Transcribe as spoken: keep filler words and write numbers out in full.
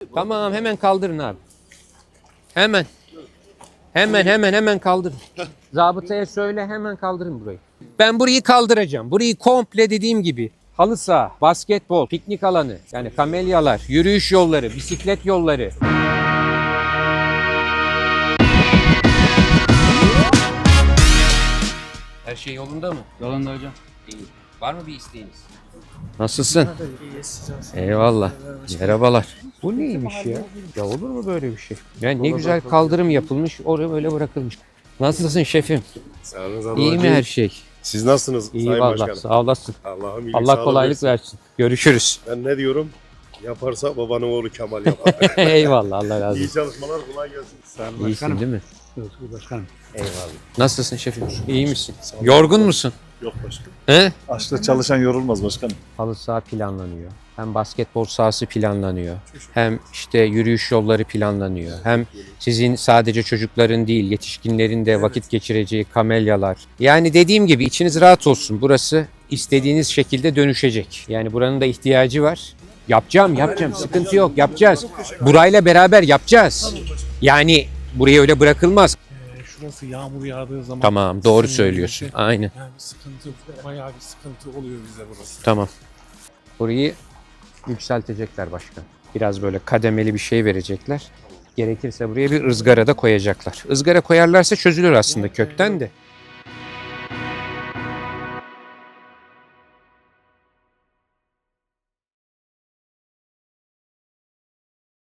Tamam hemen kaldırın abi. Hemen. Hemen hemen hemen kaldırın. Zabıtaya söyle hemen kaldırın burayı. Ben burayı kaldıracağım. Burayı komple dediğim gibi halı saha, basketbol, piknik alanı, yani kamelyalar, yürüyüş yolları, bisiklet yolları. Her şey yolunda mı? Yolunda hocam. İyi. Var mı bir isteğiniz? Nasılsın? Eyvallah. Merhabalar. Bu neymiş ya? Ya olur mu böyle bir şey? Yani ne güzel kaldırım yapılmış, oraya böyle bırakılmış. Nasılsın şefim? Sağ olun, İyi mi her şey? Siz nasılsınız İyi Sayın vallahi. Başkanım? Sağ olasın. Allah'ım iyilik, Allah sağlık kolaylık versin. Görüşürüz. Ben ne diyorum? Yaparsa babanın oğlu Kemal yapar. Eyvallah. Allah razı İyi olsun. çalışmalar, kolay gelsin. Sayın İyisin Başkanım. değil mi? Özgür Başkanım. Eyvallah. Nasılsın şefim? İyi misin? Yorgun musun? Yok başkanım. He? Açta çalışan yorulmaz başkanım. Halı saha planlanıyor. Hem basketbol sahası planlanıyor. Hem işte yürüyüş yolları planlanıyor. Hem sizin sadece çocukların değil, yetişkinlerin de vakit geçireceği kamelyalar. Yani dediğim gibi içiniz rahat olsun. Burası istediğiniz şekilde dönüşecek. Yani buranın da ihtiyacı var. Yapacağım, yapacağım. Sıkıntı yok, yapacağız. Burayla beraber yapacağız. Yani buraya öyle bırakılmaz. Ee, şurası yağmur yağdığı zaman... Tamam, doğru sinir söylüyorsun. edici. Aynen. Yani sıkıntı, bayağı bir sıkıntı oluyor bize burası. Tamam. Burayı yükseltecekler başkan. Biraz böyle kademeli bir şey verecekler. Gerekirse buraya bir ızgara da koyacaklar. Izgara koyarlarsa çözülür aslında kökten de.